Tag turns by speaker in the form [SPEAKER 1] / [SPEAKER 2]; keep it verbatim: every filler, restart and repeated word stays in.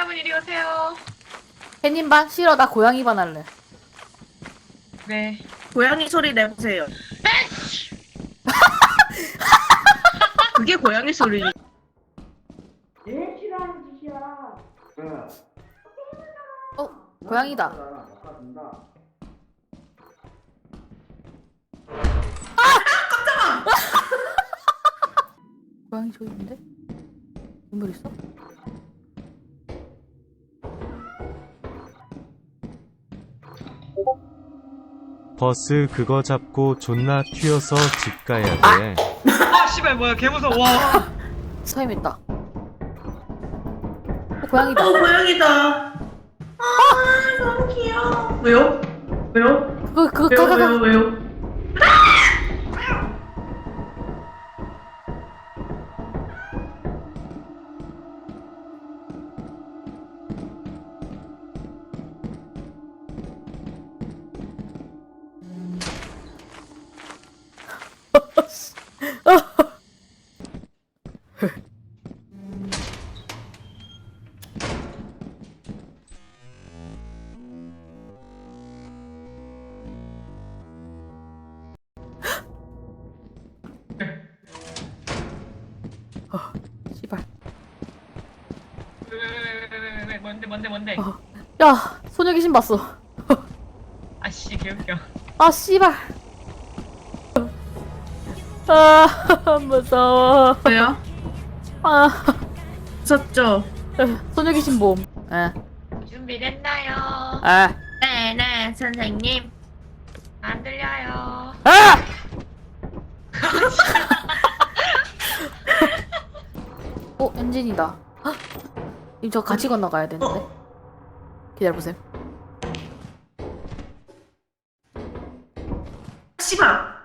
[SPEAKER 1] 여러분 이리 오세요.
[SPEAKER 2] 햇님 반? 싫어, 나 고양이 반 할래.
[SPEAKER 1] 네.
[SPEAKER 3] 고양이 소리 내보세요. 그게 고양이 소리.
[SPEAKER 4] 제일 싫어하는 짓이야.
[SPEAKER 2] 어, 고양이다. 고양이 저기 있는데? 인물 있어?
[SPEAKER 5] 버스 그거 잡고 존나 튀어서 집 가야 돼.
[SPEAKER 1] 아 씨발 뭐야 개 무서워. 와.
[SPEAKER 2] 서임 있다. 어, 고양이다.
[SPEAKER 3] 어, 고양이다. 아, 너무 귀여워. 왜요? 왜요?
[SPEAKER 2] 그거, 그거,
[SPEAKER 3] 왜요?
[SPEAKER 2] 가, 가, 가.
[SPEAKER 3] 왜요? 왜요?
[SPEAKER 2] 씨발.
[SPEAKER 1] 왜왜왜왜왜 뭔데 뭔데 뭔데.
[SPEAKER 2] 어. 야, 소녀 귀신 봤어.
[SPEAKER 1] 아씨 개웃겨.
[SPEAKER 2] 아, 씨발. 아, 무서워.
[SPEAKER 3] 왜요?
[SPEAKER 2] 아,
[SPEAKER 3] 무섭죠?
[SPEAKER 2] 소녀 귀신 봄. 에,
[SPEAKER 1] 준비됐나요?
[SPEAKER 2] 에,
[SPEAKER 3] 네, 네, 선생님.
[SPEAKER 1] 안 들려요.
[SPEAKER 2] 아! 어, 엔진이다. 헉! 님, 저 같이 건너가야 되는데. 기다려보세요.
[SPEAKER 3] 씨발.